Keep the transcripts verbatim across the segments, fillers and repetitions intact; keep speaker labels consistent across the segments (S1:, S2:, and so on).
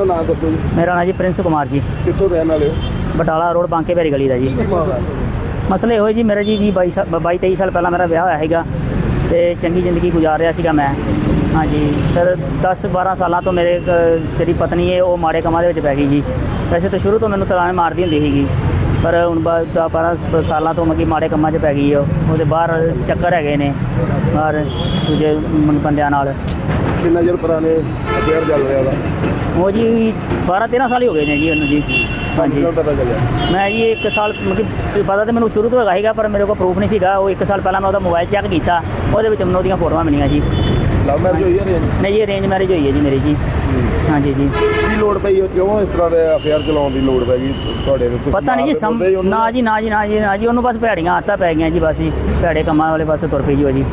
S1: ਨਾਮ ਦੱਸੋ ਜੀ।
S2: ਮੇਰਾ ਨਾਂ ਜੀ ਪ੍ਰਿੰਸ ਕੁਮਾਰ ਜੀ।
S1: ਕਿੱਥੋਂ ਰਹਿਣ ਵਾਲੇ ਹੋ?
S2: ਬਟਾਲਾ ਰੋਡ ਬਾਂਕੇ ਭੈਰੀ ਗਲੀ ਦਾ ਜੀ। ਮਸਲੇ ਇਹੋ ਜੀ, ਮੇਰਾ ਜੀ ਵੀਹ ਬਾਈ ਸਾਲ ਬਾਈ ਤੇਈ ਸਾਲ ਪਹਿਲਾਂ ਮੇਰਾ ਵਿਆਹ ਹੋਇਆ ਸੀਗਾ ਅਤੇ ਚੰਗੀ ਜ਼ਿੰਦਗੀ ਗੁਜ਼ਾਰ ਰਿਹਾ ਸੀਗਾ ਮੈਂ। ਹਾਂਜੀ, ਫਿਰ ਦਸ ਬਾਰਾਂ ਸਾਲਾਂ ਤੋਂ ਮੇਰੇ ਜਿਹੜੀ ਪਤਨੀ ਹੈ ਉਹ ਮਾੜੇ ਕੰਮਾਂ ਦੇ ਵਿੱਚ ਪੈ ਗਈ ਜੀ। ਵੈਸੇ ਤਾਂ ਸ਼ੁਰੂ ਤੋਂ ਮੈਨੂੰ ਤਲਾਣੇ ਮਾਰਦੀ ਹੁੰਦੀ ਸੀਗੀ, ਪਰ ਹੁਣ ਦਸ ਬਾਰਾਂ ਸਾਲਾਂ ਤੋਂ ਮਤਲਬ ਮਾੜੇ ਕੰਮਾਂ 'ਚ ਪੈ ਗਈ ਉਹ। ਉਹਦੇ ਬਾਹਰ ਚੱਕਰ ਹੈਗੇ ਨੇ ਬਾਹਰ ਦੂਜੇ ਬੰਦਿਆਂ ਨਾਲ।
S1: ਕਿੰਨਾ ਚਿਰ ਪੁਰਾਣੇ ਅਫੇਅਰ ਚੱਲ ਰਿਹਾ ਉਹਦਾ?
S2: ਉਹ ਜੀ ਬਾਰਾਂ ਤੇਰਾਂ ਸਾਲ ਹੀ ਹੋ ਗਏ ਨੇ ਜੀ ਉਹਨੂੰ ਜੀ। ਹਾਂਜੀ,
S1: ਪਤਾ ਚੱਲਿਆ?
S2: ਮੈਂ ਜੀ ਇੱਕ ਸਾਲ ਮਤਲਬ ਪਤਾ ਤਾਂ ਮੈਨੂੰ ਸ਼ੁਰੂ ਤੋਂ ਹੈਗਾ ਸੀਗਾ, ਪਰ ਮੇਰੇ ਕੋਲ ਪ੍ਰੂਫ ਨਹੀਂ ਸੀਗਾ। ਉਹ ਇੱਕ ਸਾਲ ਪਹਿਲਾਂ ਮੈਂ ਉਹਦਾ ਮੋਬਾਈਲ ਚੈੱਕ ਕੀਤਾ, ਉਹਦੇ ਵਿੱਚ ਮੈਨੂੰ ਉਹਦੀਆਂ ਫੋਟੋਆਂ ਮਿਲੀਆਂ ਜੀ।
S1: ਲਵ ਮੈਰਿਜ ਹੋਈ ਹੈ?
S2: ਨਹੀਂ ਜੀ, ਅਰੇਂਜ ਮੈਰਿਜ ਹੋਈ ਹੈ ਜੀ ਮੇਰੀ ਜੀ। ਹਾਂਜੀ ਜੀ।
S1: ਕੀ ਲੋੜ ਪਈ ਉਹ, ਕਿਉਂ ਇਸ ਤਰ੍ਹਾਂ ਦੇ ਅਫੇਅਰ ਚਲਾਉਣ ਦੀ ਲੋੜ ਪੈ ਗਈ ਤੁਹਾਡੇ ਨੂੰ?
S2: ਪਤਾ ਨਹੀਂ ਜੀ, ਸਮ ਨਾ ਜੀ ਨਾ ਜੀ ਨਾ ਜੀ ਨਾ ਜੀ ਉਹਨੂੰ ਬਸ ਭੈੜੀਆਂ ਆਦਤਾਂ ਪੈ ਗਈਆਂ ਜੀ। ਬਸ ਜੀ ਭੈੜੇ ਕੰਮਾਂ ਵਾਲੇ ਪਾਸੇ ਤੁਰ ਪਈ ਜੀ ਉਹ ਜੀ।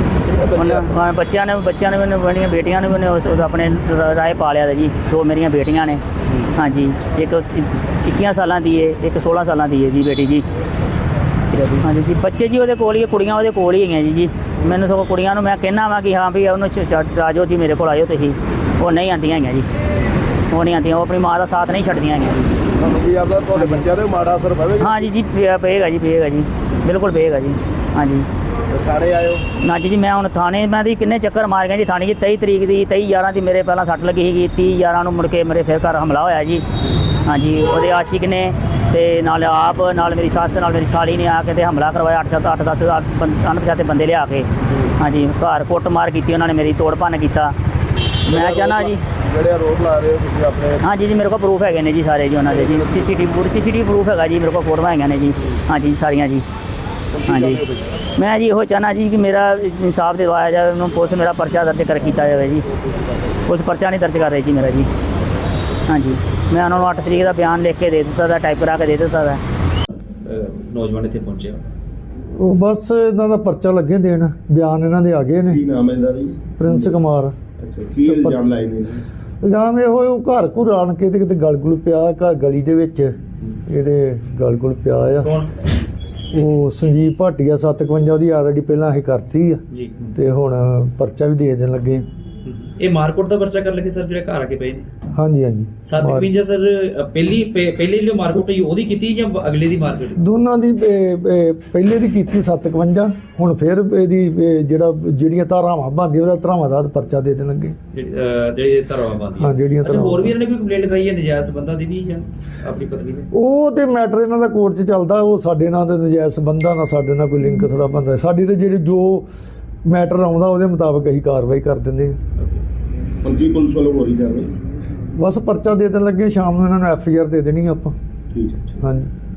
S2: ਉਹਨਾਂ ਬੱਚਿਆਂ ਨੇ ਬੱਚਿਆਂ ਨੇ ਮੈਨੂੰ ਮੇਰੀਆਂ ਬੇਟੀਆਂ ਨੇ ਮੈਨੂੰ ਉਸ ਆਪਣੇ ਰਾਏ ਪਾ ਲਿਆ ਜੀ। ਦੋ ਮੇਰੀਆਂ ਬੇਟੀਆਂ ਨੇ। ਹਾਂਜੀ, ਇੱਕ ਇੱਕੀਆਂ ਸਾਲਾਂ ਦੀ ਹੈ, ਇੱਕ ਸੋਲਾਂ ਸਾਲਾਂ ਦੀ ਹੈ ਜੀ ਬੇਟੀ ਜੀ। ਹਾਂਜੀ ਜੀ, ਬੱਚੇ ਜੀ ਉਹਦੇ ਕੋਲ ਹੀ, ਕੁੜੀਆਂ ਉਹਦੇ ਕੋਲ ਹੀ ਹੈਗੀਆਂ ਜੀ ਜੀ। ਮੈਨੂੰ ਸਗੋਂ ਕੁੜੀਆਂ ਨੂੰ ਮੈਂ ਕਹਿੰਦਾ ਵਾ ਕਿ ਹਾਂ ਵੀ ਉਹਨੂੰ ਆ ਜਾਓ ਜੀ, ਮੇਰੇ ਕੋਲ ਆਇਓ ਤੁਸੀਂ। ਉਹ ਨਹੀਂ ਆਉਂਦੀਆਂ ਹੈਗੀਆਂ ਜੀ, ਉਹ ਨਹੀਂ ਆਉਂਦੀਆਂ। ਉਹ ਆਪਣੀ ਮਾਂ ਦਾ ਸਾਥ ਨਹੀਂ ਛੱਡਦੀਆਂ ਹੈਗੀਆਂ ਜੀ।
S1: ਤੁਹਾਨੂੰ ਕੀ ਆਪਦਾ ਤੁਹਾਡੇ ਬੱਚਿਆਂ ਦੇ ਮਾੜਾ ਅਸਰ ਪਵੇਗਾ?
S2: ਹਾਂਜੀ ਜੀ, ਪਏਗਾ ਜੀ, ਪਏਗਾ ਜੀ, ਬਿਲਕੁਲ ਪਏਗਾ ਜੀ। ਹਾਂਜੀ,
S1: ਥਾਣੇ ਆਇਓ?
S2: ਨਾ ਜੀ ਮੈਂ ਹੁਣ ਥਾਣੇ ਮੈਂ ਦੀ ਕਿੰਨੇ ਚੱਕਰ ਮਾਰ ਗਿਆ ਜੀ ਥਾਣੇ ਜੀ। ਤੇਈ ਤਰੀਕ ਦੀ ਤੇਈ ਗਿਆਰਾਂ ਦੀ ਮੇਰੇ ਪਹਿਲਾਂ ਸੱਟ ਲੱਗੀ ਸੀਗੀ। ਤੀਹ ਗਿਆਰਾਂ ਨੂੰ ਮੁੜ ਕੇ ਮੇਰੇ ਫਿਰ ਘਰ ਹਮਲਾ ਹੋਇਆ ਜੀ। ਹਾਂਜੀ, ਉਹਦੇ ਆਸ਼ਿਕ ਨੇ ਅਤੇ ਨਾਲ ਆਪ ਨਾਲ ਮੇਰੀ ਸੱਸ ਨਾਲ ਮੇਰੀ ਸਾਲੀ ਨੇ ਆ ਕੇ ਤੇ ਹਮਲਾ ਕਰਵਾਇਆ। ਅੱਠ ਸੱਤ ਅੱਠ ਦਸ ਅਣਪਛਾਤੇ ਬੰਦੇ ਲਿਆ ਕੇ। ਹਾਂਜੀ, ਘਰ ਕੁੱਟ ਮਾਰ ਕੀਤੀ ਉਹਨਾਂ ਨੇ, ਮੇਰੀ ਤੋੜ ਭੰਨ ਕੀਤਾ। ਮੈਂ ਚਾਹੁੰਦਾ ਜੀ
S1: ਜਿਹੜੇ ਆਰੋਪ ਲਾ ਰਹੇ ਹੋ ਤੁਸੀਂ ਆਪਣੇ?
S2: ਹਾਂਜੀ ਜੀ, ਮੇਰੇ ਕੋਲ ਪ੍ਰੂਫ ਹੈਗੇ ਨੇ ਜੀ ਸਾਰੇ ਜੀ ਉਹਨਾਂ ਦੇ ਜੀ। C C T V C C T V proof ਹੈਗਾ ਜੀ ਮੇਰੇ ਕੋਲ, ਫੋਟੋਆਂ ਹੈਗੀਆਂ ਨੇ ਜੀ। ਹਾਂਜੀ ਸਾਰੀਆਂ ਜੀ। ਹਾਂਜੀ, ਮੈਂ ਜੀ ਇਹੋ ਚਾਹੁੰਦਾ ਜੀ ਕਿ ਮੇਰਾ ਇਨਸਾਫ ਦਿਵਾਇਆ ਜਾਵੇ। ਉਹਨੂੰ ਪੁਲਿਸ ਮੇਰਾ ਪਰਚਾ ਦਰਜ ਕਰ ਕੀਤਾ ਜਾਵੇ ਜੀ। ਪੁਲਿਸ ਪਰਚਾ ਨਹੀਂ ਦਰਜ ਕਰ ਰਹੀ ਜੀ ਮੇਰਾ ਜੀ। ਹਾਂਜੀ, ਮੈਂ ਉਹਨਾਂ ਨੂੰ ਅੱਠ ਤਰੀਕ ਦਾ ਬਿਆਨ ਲਿਖ ਕੇ ਦੇ ਦਿੱਤਾ ਦਾ, ਟਾਈਪ ਕਰਾ ਕੇ ਦੇ ਦਿੱਤਾ ਦਾ।
S3: ਨੌਜਵਾਨ ਇੱਥੇ ਪਹੁੰਚਿਆ,
S4: ਉਹ ਬਸ ਇਹਨਾਂ ਦਾ ਪਰਚਾ ਲੱਗੇ ਦੇਣ, ਬਿਆਨ ਇਹਨਾਂ ਦੇ ਆ ਗਏ ਨੇ।
S1: ਕੀ ਨਾਮ ਹੈ ਇਹਦਾ ਜੀ?
S4: ਪ੍ਰਿੰਸ ਕੁਮਾਰ।
S1: ਅੱਛਾ, ਕੀ ਇਲਜ਼ਾਮ ਲਾਏ ਨੇ?
S4: ਇਲਜ਼ਾਮ ਇਹੋ ਉਹ ਘਰ ਘੁਰ ਆਣ ਕੇ ਤੇ ਕਿਤੇ ਗਲ ਗੁਲ ਪਿਆ, ਘਰ ਗਲੀ ਦੇ ਵਿੱਚ ਇਹਦੇ ਗਲ ਗੁਲ ਪਿਆ ਆ।
S3: ਕੌਣ?
S4: ਉਹ ਸੰਜੀਵ ਭਾਟੀਆ ਸੱਤ ਇਕਵੰਜਾ ਉਹਦੀ ਆਲਰੇਡੀ ਪਹਿਲਾਂ ਅਸੀਂ ਕਰਤੀ ਆ
S3: ਜੀ,
S4: ਤੇ ਹੁਣ ਪਰਚਾ ਵੀ ਦੇ ਦੇਣ ਲੱਗੇ।
S3: ਇਹ ਮਾਰਕੋਟ ਦਾ ਪਰਚਾ ਕਰ ਲਗੇ ਸਰ, ਜਿਹੜੇ ਘਰ ਆ ਕੇ ਪਏ ਨੇ?
S4: ਹਾਂਜੀ ਹਾਂਜੀ।
S3: ਸੱਤ ਇਕਵੰਜਾ ਸਰ ਪਹਿਲੀ ਪਹਿਲੇ ਜਿਹੜੀ ਮਾਰਕੋਟ ਹੋਈ ਉਹਦੀ ਕੀਤੀ ਜਾਂ ਅਗਲੇ ਦੀ ਮਾਰਕੀਟ?
S4: ਦੋਨਾਂ ਦੀ ਇਹ- ਇਹ ਪਹਿਲੇ ਦੀ ਕੀਤੀ ਸੱਤ ਇਕਵੰਜਾ, ਹੁਣ ਫਿਰ ਇਹਦੀ ਇਹ ਜਿਹੜਾ ਜਿਹੜੀਆਂ ਧਾਰਾਵਾਂ ਬਣਦੀਆਂ ਉਹਦਾ ਧਾਰਾਵਾਂ ਦਾ ਪਰਚਾ ਦੇ ਦੇਣ ਲੱਗੇ।
S3: ਜਿਹੜੇ ਧਰਵਾ ਬੰਦੀ?
S4: ਹਾਂ, ਜਿਹੜੀਆਂ
S3: ਅੱਛਾ,
S4: ਧਾਰਾਵਾਂ।
S3: ਹੋਰ ਵੀ ਇਹਨਾਂ ਨੇ ਕੋਈ ਕੰਪਲੇਂਟ ਲਿਖਾਈ ਹੈ ਨਜਾਇਜ਼ ਸੰਬੰਧਾਂ ਦੀ ਵੀ ਜਾਂ ਆਪਣੀ ਪਤਨੀ ਦੇ?
S4: ਉਹ ਤੇ ਮੈਟਰ ਇਹਨਾਂ ਦਾ ਕੋਰਟ 'ਚ ਚੱਲਦਾ। ਉਹ ਸਾਡੇ ਨਾਲ ਤੇ ਨਜਾਇਜ਼ ਸੰਬੰਧਾਂ ਨਾਲ ਸਾਡੇ ਨਾਲ ਕੋਈ ਲਿੰਕ ਥੋੜ੍ਹਾ ਬਣਦਾ। ਸਾਡੀ ਤੇ ਜਿਹੜੀ ਜੋ ਮੈਟਰ ਆਉਂਦਾ ਉਹਦੇ ਮੁਤਾਬਕ ਅਸੀਂ ਕਾਰਵਾਈ ਕਰ ਦਿੰਦੇ ਹਾਂ।
S1: ਹੁਣ ਕੀ ਪੁਲਿਸ ਵੱਲੋਂ ਹੋ ਰਹੀ ਕਾਰਵਾਈ?
S4: ਬਸ ਪਰਚਾ ਦੇ ਦੇਣ ਲੱਗੇ, ਸ਼ਾਮ ਨੂੰ ਇਹਨਾਂ ਨੂੰ ਐਫ ਆਈ ਆਰ ਦੇ ਦੇਣੀ ਆਪਾਂ।
S1: ਠੀਕ ਹੈ।
S4: ਹਾਂਜੀ।